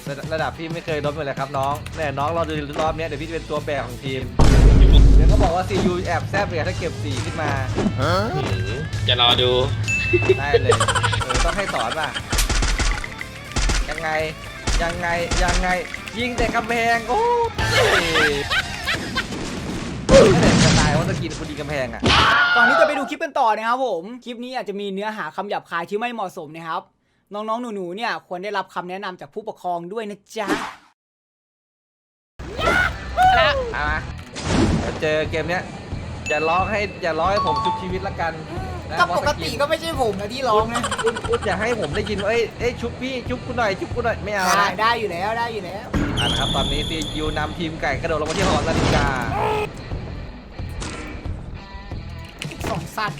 ระดับพี่ไม่เคยล้มเลยครับน้องเนี่ยน้องรอดูรอบนี้เดี๋ยวพี่จะเป็นตัวแบกของทีมเดี๋ยวก็บอกว่าซียูแอบแซบเลยถ้าเก็บ4ขึ้นมาจะรอดูได้เลยต้องให้สอนป่ะยังไงยิงแต่กำแพงโอ้ยไม่ได้จะตายว่าจะกินคุณดีกำแพงอ่ะก่อนที่จะไปดูคลิปกันต่อนะครับผมคลิปนี้อาจจะมีเนื้อหาคำหยาบคายที่ไม่เหมาะสมนะครับน้องๆหนูๆเนี่ยควรได้รับคำแนะนำจากผู้ปกครองด้วยนะจ๊ะแล้วมาเจอเกมเนี้ยอย่าร้องให้ผมชุบชีวิตละกันก็ปกติก็ไม่ใช่ผมนะที่ร้องนะคุณอย่าให้ผมได้ยินว่าเอ้ยชุบพี่ชุบกูหน่อยไม่เอาได้อยู่แล้วนะครับตอนนี้ซียูนำทีมไก่กระโดดลงมาที่หอนาฬิกา 2 สัตว์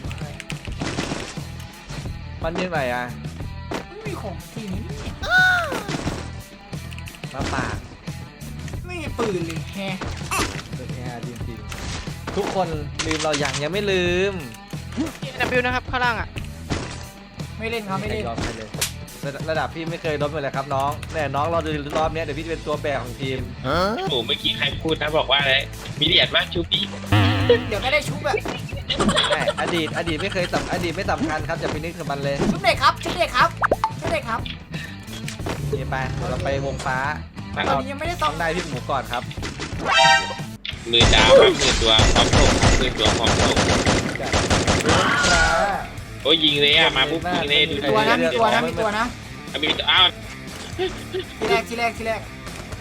มันยังไงอ่ะไม่มีของจริงมาป่าไม่มีปืนเลยแฮะจริงๆทุกคนลืมเรายังไม่ลืม W นะครับข้างล่างอ่ะไม่เล่นครับไม่เล่นระดับพี่ไม่เคยล้มเลยครับน้องเนี่ยน้องรอดูรอบนี้เดี๋ยวพี่จะเป็นตัวแบกของทีมโอ้เมื่อกี้ใครพูดนะบอกว่าอะไรมีเดียดมากชูปี้เดี๋ยวก็ได้ชุบอะอดีตไม่เคยอดีตไม่สำคัญครับอย่าไปนึกถึงมันเลยชุบเด็กครับนี่ไปเราไปวงฟ้าตอนนี้ยังไม่ได้ต้องได้พี่หมูก่อนครับมือดาวครับมือตัวพร้อมโถกมือตัวพร้อมโถกโอ้ยิงเลยอ่ะมาปุ๊บยิงเลยดูมีตัวนะมีตัวอ้าวทีแรกเห็นแล้ว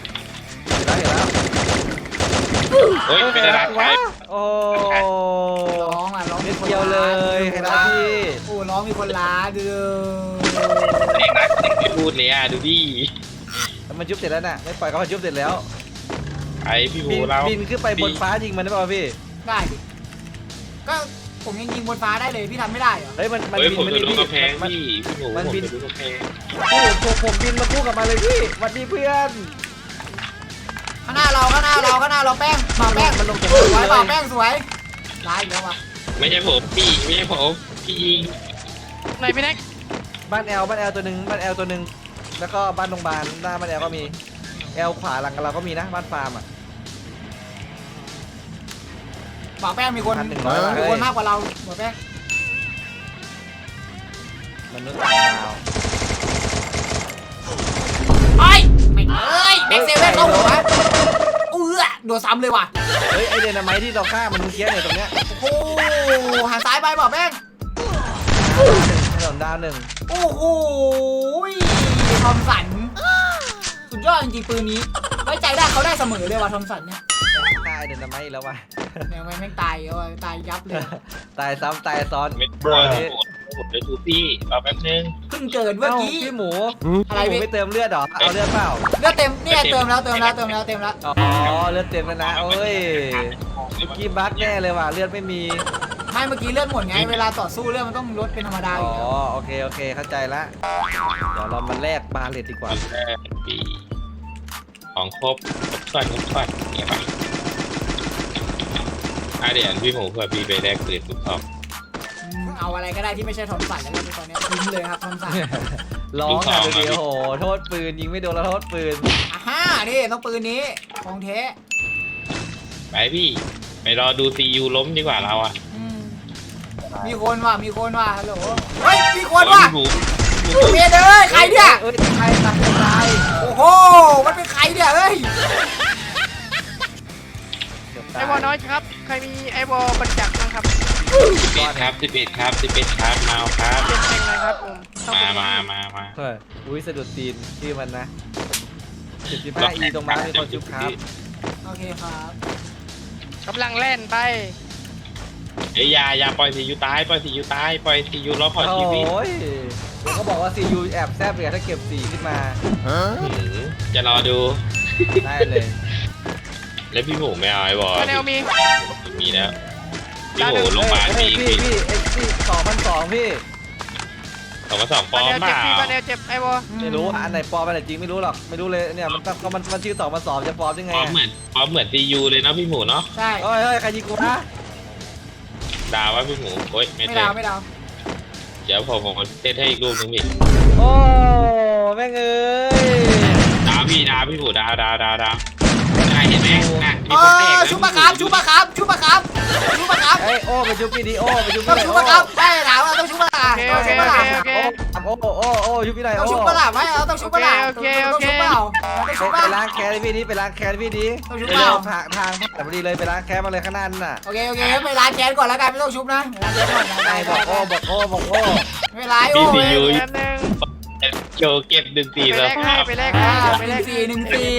โอ้ยเป็นอะไรวะโอ้ร้องนิดเดียวเลยเห็นไหมพี่โอ้ร้องมีคนล้าดูเด็กรักเด็กไม่พูดเลยอ่ะดูดิมันยุบเสร็จแล้วน่ะไม่ปล่อยเขายุบเสร็จแล้วไอพี่โหเราบินขึ้นไปบนฟ้ายิงมันได้ป่ะพี่ได้ดิก็ผมยังยิงบนฟ้าได้เลยพี่ทำไม่ได้เหรอเฮ้ยมันบินมันดูกระแพงพี่โหมันบินดูกระแพงผมบินมาคู่กับมาเลยพี่สวัสดีเพื่อนข้างหน้าเราแป้งมันลงสวยแป้งสวยร้ายแล้ววะไม่ใช่ผมพี่ไม่ใช่ผมพี่ยิงไหนพี่แน็กบ้านแอลตัวหนึ่งแล้วก็บ้านโรงพยาบาลหน้าบ้านแอลก็มีแอลขวาหลังเราก็มีนะบ้านฟาร์มอ่ะบ่าวแป้งมีคนมากกว่าเราบ่าวแป้งมนุษย์ต่างดาวแบ็คเซเว่นเข้าหัวโดนซ้ำเลยว่ะเฮ้ยไอเดนาไมท์ที่เราฆ่ามันเมื่อกี้เนี่ยตรงเนี้ยโอ้หันซ้ายไปบ่าวแป้งถนนดาว1 โอ้โหทอมสันสุดยอดจริงๆปืนนี้ไว้ใจได้เขาได้เสมอเลยว่ะทอมสันเนี่ยตายเดนนาไมท์แล้วว่ะไม่ตายยับเลยตายซ้ำตายซ้อนเม็ดบอลผมเลยทูปี้รอแป๊บนึงเพิ่งเกิดเมื่อกี้พี่หมูอะไรไม่เติมเลือดหรอเอาเลือดเปล่าเลือดเต็มเนี่ยเติมแล้วอ๋อเลือดเต็มแล้วนะโอ้ยเมื่อกี้บั๊กแน่เลยว่ะเลือดไม่มีไม่เมื่อกี้เลือดหมดไงเวลาต่อสู้เลือดมันต้องลดเป็นธรรมดาอ๋อโอเคเข้าใจละเดี๋ยวเรามาแลกบาเลตดีกว่าของครบก่อนเนี่ยป่ะเดี๋ยวพี่หมูเพื่อพี่ไปแลกปืนทุกทอบเอาอะไรก็ได้ที่ไม่ใช่ทอมสันแล้วตอนนี้ทิ้งเลยครับทอมสันร้องอ่ะเดี๋ยวโหโทษปืนยิงไม่โดนแล้วโทษปืนนี่ต้องปืนนี้ของเทไปพี่ไปรอดูซียูล้มดีกว่าเราอ่ะมีคนว่ะฮัลโหลเฮ้ยมีคนว่ะเมียเด้อใครเนี่ยใครโอ้โหมันเป็นใครเนี่ยเฮ้ยไอวอลน้อยครับใครมีไอวอลบรรจักษ์บ้างครับ 11ครับมาครับเป็นไงครับผมมาอุ้ยสะดุดตีนชื่อมันนะ75 E ตรงมามีคนชุบครับโอเคครับกำลังเล่นไปอย่าปล่อยซียูตายปล่อยซียูล้อขอชีวิตโอ้ยเขาบอกว่าซียูแอบแซบเลยถ้าเก็บ4ขึ้นมาจะรอดูได้เลยแล้วพี่หมูไม่เอาไอ้บอลมีแล้วพี่หมูลงมาพี่2,200พี่ 2,200ปลอมเปล่าเจ็บไอ้บอลไม่รู้อันไหนปลอมอันไหนจริงไม่รู้หรอกไม่รู้เลยเนี่ยมันชื่อ2,200จะปลอมยังไงปลอมเหมือนซียูเลยนะพี่หมูเนาะใช่เฮ้ยใครยิงกูนะดาวว่าพี่หมูโอ๊ยไม่ดาวเดี๋ยวผมเซตให้อีกลูกนึงพี่โอ้แม่งเอ้ยดาวพี่พี่หมูดาวเห็นไหมมีเอคนแตกอชุบปะครับชุบปะครับชุบปะครับชุบปะครับเอ้ยโอ้ไปชุบพี่ดีโอ้ไปชุบต้อพี่งหน่อยชุบปะครับได้ถามว่าต้องชุบปะล่ะโอเคต้องโอชุบเคปะล่ะโอเคโอ้ชุบพี่หน่อยต้องโอ้ชุบปะล่ะไม่เอาต้องชุบปะล่ะโอเคต้องชุบเปล่าต้องชุบไปปะล้างแค้นพี่ดีไปล้างแค้นพี่ดีต้องชุบไปเปล่าทางผ่านพอดีเลยไปล้างแค้นมาเลยข้างหน้านั่นน่ะโอเคไปล้างแค้นก่อนแล้วกันไม่ต้องชุบนะล้างแค้นก่อนไอ้บอกโอ้ไม่ร้ายโอ้พี่ยซียูแป๊บนึงโชว์เก็บ1 ปีไปแล้แลวกให้ไปแลกอ่าให้ไปหแลนึ่กงสี่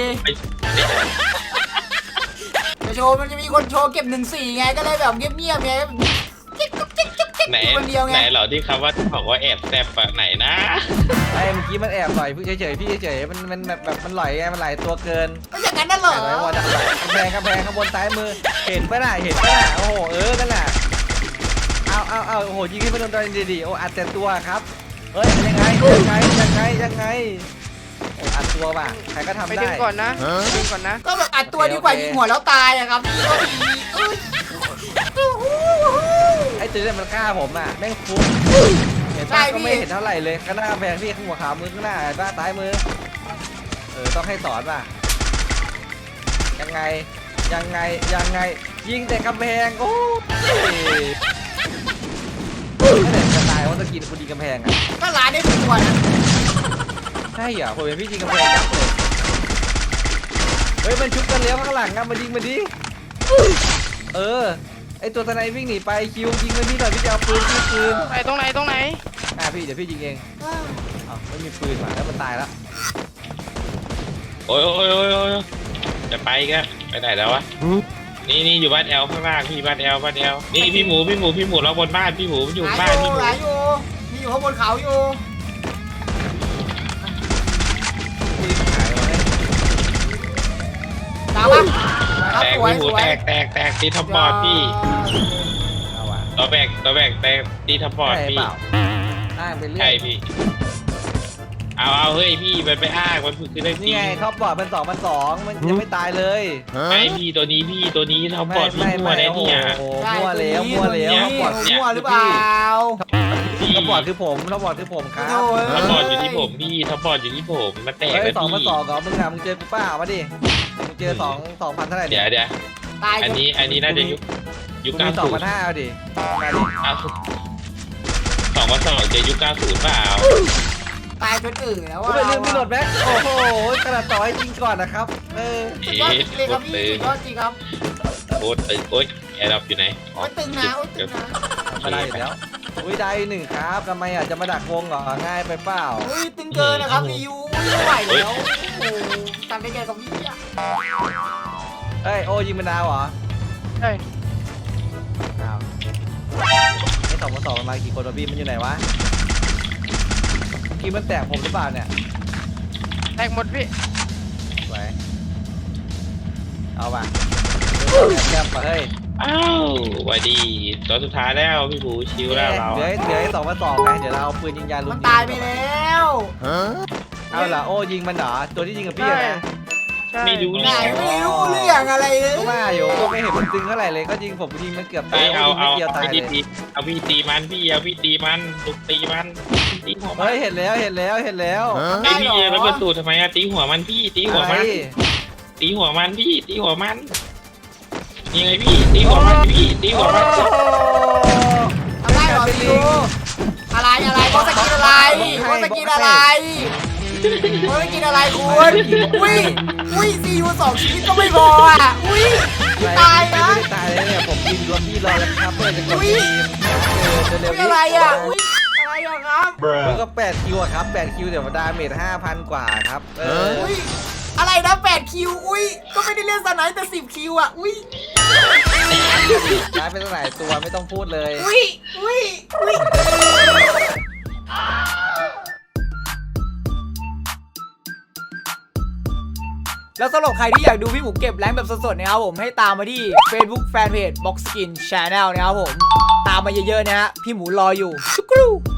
จะโชว์มันจะมีคนโชว์เก็บ1-4ไงก็เลยแบบเงียบๆไงจิ๊กไหนคนเดียวไงไหนเหรอที่คำว่าบอกว่าแอบแซบอะไหนนะไอ้เมื่อกี้มันแอบหน่อยพี่เฉยๆพี่เฉยๆมันแบบมันหลอยไงมันหลายตัวเกินก็อย่างนั้นน่ะเหรอไอ้วอดักกำแพงข้างบนซ้ายมือเห็นปะน่ะโอ้โหนั่นแหละเอาโอ้โหยิงให้มันโดนดีๆโอ้อัดแต่ตัวครับเฮ้ยยังไงโอ้อัดตัวป่ะใครก็ทำไปได้ดึงก่อนนะดึงก่อนนะก็แบบอัดตัวดีกว่ายิงหัวแล้วตายอะครับพี่ก็ดีไอ้ตัวนี้มันฆ่าผมอ่ะแม่งฟุ้งเห็นป่ะก็ไม่เห็นเท่าไหร่เลยข้างหน้ากำแพงพี่ข้างหัวขามือข้างหน้าบ้าซ้ายมือต้องให้สอนป่ะยังไงยิงแต่กำแพงโอ้ยไม่ได้จะตายว่าจะกินคุณยิงกำแพงอ่ะก็ร้านได้ทุกตัวนะใช่เหรอผมเป็นพี่ยิงกำแพงยับเลยเฮ้ยมันชุบกันแล้วข้างหลังอ่ะมายิงมาดิไอตัวทนายวิ่งหนีไปคิวยิงมันนี่หน่อยพี่จะเอาปืนไหนตรงไหนพี่เดี๋ยวพี่ยิงเองไม่มีปืนว่ะแล้วมันตายแล้วโอ้ยจะไปกันไปไหนแล้ววะนี่อยู่บ้านแอลข้างล่างพี่บ้านแอลนี่พี่หมูเราบนบ้านพี่หมูอยู่บ้านพี่หมูหลายอยู่มีอยู่ข้างบนเขาอยู่ปืนหายไปตามปะครับแตกสวยพี่หมูสวยแตกตีทับบอร์ดพี่เอาว่ะตัวแบกแตกตีทับบอร์ดใช่พี่เปล่าอ้างไปเรื่ใช่อยพี่เอาเฮ้ยพี่มันไปอ้างมันคือเรื่องจรินี่งไงท็อปบอร์ดมัน2มันยังไม่ตายเลยไอพี่ตัวนี้ทับบอร์ดพี่มั่วได้เนี่ยโอ้ใช่มั่วแล้วท็อปบอร์ดมั่วหรือเปล่าท็อปบอร์ดคือผมครับทับบอร์ดอยู่ที่ผมพี่ทับบอร์ดอยู่ที่ผมมาแตกเฮ้แล้ยว2 พี่ก่อนมึงอะมึงเจอกูป้ามาดิมึงเจอ2,000เท่าไหร่เดี๋ยวตายอันนี้น่าจะยุคกูมี 90 2,500เอาดิมาดิ 2,200จะยุค90เปล่าตายจนอื่นแล้วกูว่าไปลืมพี่โหลดแบ็คโอ้โหขนาดต่อให้จริงก่อนนะครับสุดยอดจริงเลยครับพี่สุดยอดจริงครับโอ๊ยแอร์ดับอยู่ไหนโอ้ยตึงนะโอ้ยตึงนะมาได้แล้วอุ้ยได้1ครับทำไมอ่ะจะมาดักวงเหรอง่ายไปเปล่าอุ้ยตึงเกินนะครับพี่ยูไม่ไหวแล้วโอ้ตัดได้แก่กับพี่อะเอ้ยโอ้ยิงมันดาวเหรอใช่อ้าวไอ้2 มากี่คนวะพี่มันอยู่ไหนวะกี่มันแตกผมหรือเปล่าเนี่ยแตกหมดพี่ไว้เอาป่ะแคบป่ะเฮ้ยอ้าวสวัสดีตัวสุดท้ายแล้วพี่บูชิวแล้วเราเหลือ2 ไงเดี๋ยวเราเอาปืนยิงยาลุมันตายไปแล้วเอาล่ะโอ้ยิงมันเหรอตัวที่ยิงกับพี่นะใช่ไม่รู้ไหนเนี่ยไม่รู้เรื่องอะไรเลยก็ว่าอยู่ก็ไม่เห็นมันตึงเท่าไหร่เลยก็ยิงผมยิงมันเกือบตายเอายิงไม่เกี่ยวตายเลยเอาพี่ตีมันลุกตีมันตีหัวมันเฮ้ยเห็นแล้วไอพี่แล้วประตูทำไมอะตีหัวมันพี่ตีหัวมันตีหัวมันพี่ตีหัวมันยังไงพี่ตีหัวมันพี่ตีหัวมันอะไรหรอพี่ยูอะไรเขาสกินอะไรเขาสกินอะไรคุณอุ้ยซียู2 ชีวิตก็ไม่พออ่ะอุ้ยตายนะไม่ได้ตายเลยเนี่ยผมยิงรถพี่รอแล้วครับเพื่อจะกดทีมเร็วๆอะไรอ่ะอุ้ยอะไรอ่ะครับมันก็8 คิวอะครับ8 คิวเดี๋ยวดาเมจ 5,000 กว่าครับอุ้ยอะไรนะ8 คิวอุ้ยก็ไม่ได้เล่นสไนแต่10 คิวอ่ะอุ้ยย้ายไปตั้งหลายตัวไม่ต้องพูดเลยอุ้ยแล้วสำหรับใครที่อยากดูพี่หมูเก็บแรงค์แบบสดๆนะครับผมให้ตามมาที่ Facebook Fanpage Box Skin Channel นะครับผมตามมาเยอะๆนะฮะพี่หมูรออยู่ชุกรู